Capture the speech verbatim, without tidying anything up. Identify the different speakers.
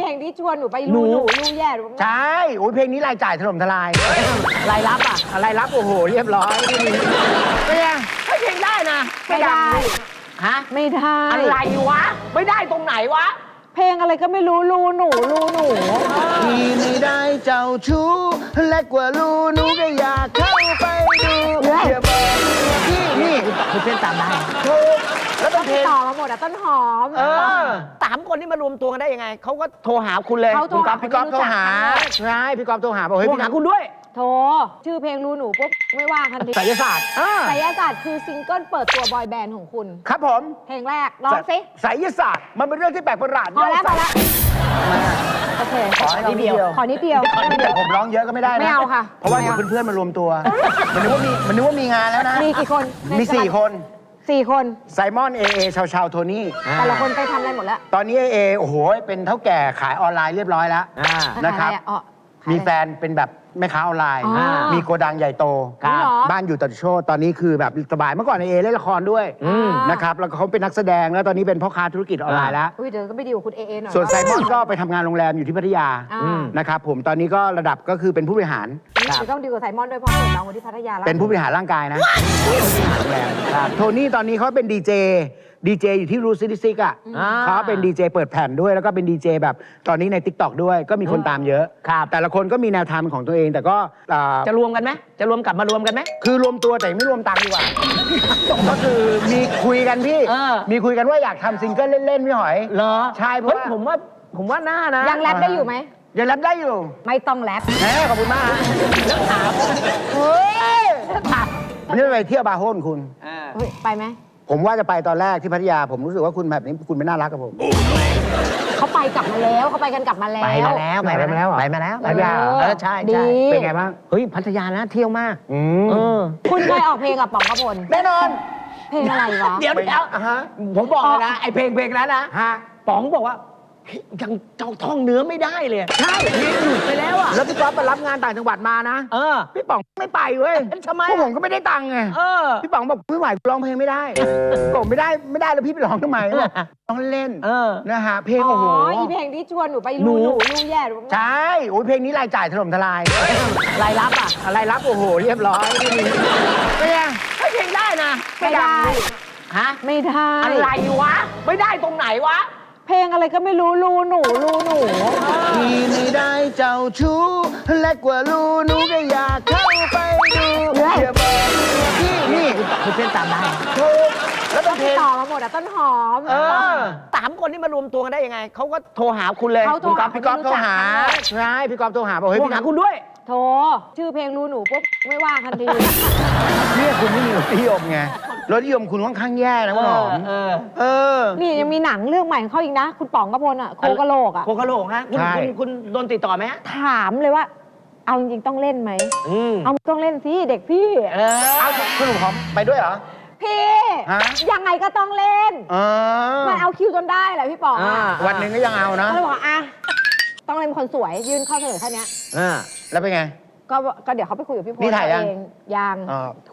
Speaker 1: ลงที่ชวนหนูไปรูหนูรูแย่หรือ
Speaker 2: ใช่โอ้ยเพลงนี้รายจ่ายถล่มทลายรายรับอ่ะรายรับโอ้โหเรียบร้อยไม่ไงไม่เพลงได้นะ
Speaker 1: ไม่ได้
Speaker 2: ฮะ
Speaker 1: ไม่ได้
Speaker 2: อะไรวะไม่ได้ตรงไหนวะ
Speaker 1: เพลงอะไรก็ไม่รู้รูหนูรูหนู
Speaker 2: พี่ไม่ได้เจ้าชู้เล็กกว่ารูหนูก็อยากเข้าไปดูอย่าบอกพี่นี่คือเพลงตามได้ถูกแล้วต้นเพลง
Speaker 1: ต่อมาหมดอะต้นหอม
Speaker 2: เออสามคนนี่มารวมตัวกันได้ยังไงเขาก็โทรหาคุณเลยคุณก๊อฟพี่ก๊อฟโทรหาใช่พี่ก๊อฟโทรหาบอกเฮ้ยพี่หาคุณด้วย
Speaker 1: โทรชื่อเพลงรูหนูปุ๊บไม่ว่างทันที
Speaker 2: ไสยศาสตร์
Speaker 1: ไสยศาสตร์คือซิงเกิลเปิดตัวบอยแบนด์ของคุณ
Speaker 2: ครับผม
Speaker 1: เพลงแรกร้องสิ
Speaker 2: ไสยศาสตร์มันเป็นเรื่องที่แปลกประหลาด
Speaker 1: พอแล้วพอแล้วโอเค
Speaker 2: ขอนิดเดียว
Speaker 1: ขอนิดเดียว
Speaker 2: แต่ผมร้องเยอะก็ไม่ได้นะ
Speaker 1: ไม่เอาค่ะ
Speaker 2: เพราะว่าเดี๋ยวเพื่อนๆมารวมตัวมันนึกว่ามีมันนึกว่ามีงานแล้วนะ
Speaker 1: มีกี่คน
Speaker 2: มีสี่คน
Speaker 1: สี่คน
Speaker 2: ไซมอนเอเอชาวชาวโทนี่
Speaker 1: แต่ละคนไปทำอะไรหมดแล้ว
Speaker 2: ตอนนี้เอเอโอ้โหเป็นเท่าแก่ขายออนไลน์เรียบร้อยแล้วนะครับมีแฟนเป็นแบบแม่ค้าออนไลน์มีโกดังใหญ่โตบ้านอยู่ตัดโชดตอนนี้คือแบบสบายเมื่อก่อนเอเล่นละครด้วยนะครับแล้วเขาเป็นนักแสดงแล้วตอนนี้เป็นพ่อค้าธุรกิจออนไลน์แล้ว
Speaker 1: เดี๋ยวก็ไปดีกับคุณเอเอหน่อย
Speaker 2: ส่วนไซมอนก็ไปทำงานโรงแรมอยู่ที่พัทยานะครับผมตอนนี้ก็ระดับก็คือเป็นผู้บริหาร
Speaker 1: จะต้องดีกับไซมอนด้วยเพราะเห็นน้องคนที่พัทยาแล้ว
Speaker 2: เป็นผู้บริหารร่างกายนะโทนี่ตอนนี้เขาเป็นดีเจดีเจอยู่ที่รูซิติซิกอ่ะเขาเป็นดีเจเปิดแผ่นด้วยแล้วก็เป็นดีเจแบบตอนนี้ใน ติ๊กต็อก ด้วยก็มีคนตามเยอะแต่ละคนก็มีแนวทางของตัวเองแต่ก็
Speaker 3: จะรวมกันไหมจะรวมกลับมารวมกันไหม
Speaker 2: คือรวมตัวแต่ไม่รวมตังค์ดีกว่าก็คือมีคุยกันพี่มีคุยกันว่าอยากทำซิงเกิลเล่นๆพี่หอย
Speaker 3: เหรอ
Speaker 2: ใช่เพราะ
Speaker 3: ผมว่าผมว่าหน้านะ
Speaker 1: ยังแรปได้อยู่ไหม
Speaker 2: ยังแรปได้อยู่
Speaker 1: ไม่ต้องแรป
Speaker 2: แหมขอบคุณมากแล้วถามเฮ้ยไม่ได้ไปเที่ยวบาร์โฮนคุณ
Speaker 1: ไปไหม
Speaker 2: ผมว่าจะไปตอนแรกที่พัทยาผมรู้สึกว่าคุณแบบนี้คุณไม่น่ารักกับผม
Speaker 1: เขาไปกลับมาแล้วเขาไปกันกลับมาแล้ว
Speaker 3: ไปมาแล้วไปมาแล้วไปมาแล้ว
Speaker 2: พัทยา
Speaker 3: เออใช่ใช่
Speaker 2: เป็นไงบ้าง
Speaker 3: เฮ้ยพัทยานะเที่ยวมาก
Speaker 2: เอ
Speaker 1: อคุณเคยออกเพลงกับป๋องกพล
Speaker 2: แน่นอน
Speaker 1: เพลงอะไรวะ
Speaker 3: เดี๋ยวเดี๋ยวผมบอกเลยนะไอเพลงเพลงนั้นนะป๋องบอกว่ายังเจ้าท่องเนื้อไม่ได้เลย
Speaker 2: ใช่
Speaker 3: เรียนหยุดไปแล้วอ่ะ
Speaker 2: แล้วพี่ก๊อฟไปรับงานต่างจังหวัดมานะ
Speaker 3: เออ
Speaker 2: พี่ป๋องไม่ไปเว้ย
Speaker 3: ทำไม
Speaker 2: พวกผมก็ไม่ได้ตังค์ไง
Speaker 3: เออ
Speaker 2: พี่ป๋องบอกไม่ไหวร้องเพลงไม่ได้ผมไม่ได้ไม่ได้แล้วพี่ไปร้องทำไมร้องเล่นนะฮะเพลงโอ้โห
Speaker 1: อีเพลงที่ชวนหนูไปรูหนูรูแย่หรือ
Speaker 2: ใช่โอ้ยเพลงนี้รายจ่ายถล่มทลาย
Speaker 3: รายรับอ่ะ
Speaker 2: รายรับโอ้โหเรียบร้อยไม่ไง
Speaker 3: ไม่เพลงได้นะ
Speaker 1: ไม่ได้
Speaker 3: ฮะ
Speaker 1: ไม่ได้
Speaker 3: อะไรวะไม่ได้ตรงไหนวะ
Speaker 1: เพลงอะไรก็ไม่รู้รูหนูรูหนู
Speaker 2: พี่ไม่ได้เจ้าชู้เล็กกว่ารูหนูก็อยากเข้าไปดูอย่าบอกพี่นี่
Speaker 3: คือเพลงตามได้
Speaker 2: ถูกแล้วต้นเพลง
Speaker 1: ต่อมาหมดอะต้นหอม
Speaker 3: สามคนนี่มารวมตัวกันได้ยังไงเขาก็โทรหาคุณเลย
Speaker 2: คุณก๊อฟพี่ก๊อฟโทรหาใช่พี่ก๊อฟโทรหาบอกเฮ้ยพี่
Speaker 3: หาคุณด้วย
Speaker 1: โทรชื่อเพลงรูหนูปุ๊บไม่ว่างทันที
Speaker 2: เนี่ยคุณไม่มีรสนิยมไงรสนิยมคุณค่อนข้างแย่นะคุณหอมเออ
Speaker 1: นี่ยังมีหนังเรื่องใหม่ของเขาอีกนะคุณป๋องกพลอ่ะโคกะโหลกอ่ะ
Speaker 3: โคกะโหลกฮะคุณคุณโดนติดต่อไหม
Speaker 1: ถามเลยว่าเอาจริงๆต้องเล่นไหมเอาต้องเล่นสิเด็กพี่
Speaker 2: เอาคุณหอมไปด้วยเหรอ
Speaker 1: พี่ยังไงก็ต้องเล่นมันเอาคิวจนได้แหละพี่ป๋อง
Speaker 2: วันหนึ่งก็ยังเอานะ
Speaker 1: ก็เลยบอกอ่ะต้องเล่นคนสวยยื่นข้อเสนอแค่นี้
Speaker 2: แล้วเป็นไง
Speaker 1: ก็ก็เดี๋ยวเขาไปคุยกับพี่พล
Speaker 2: นี่ถ่ายยัง
Speaker 1: ยัง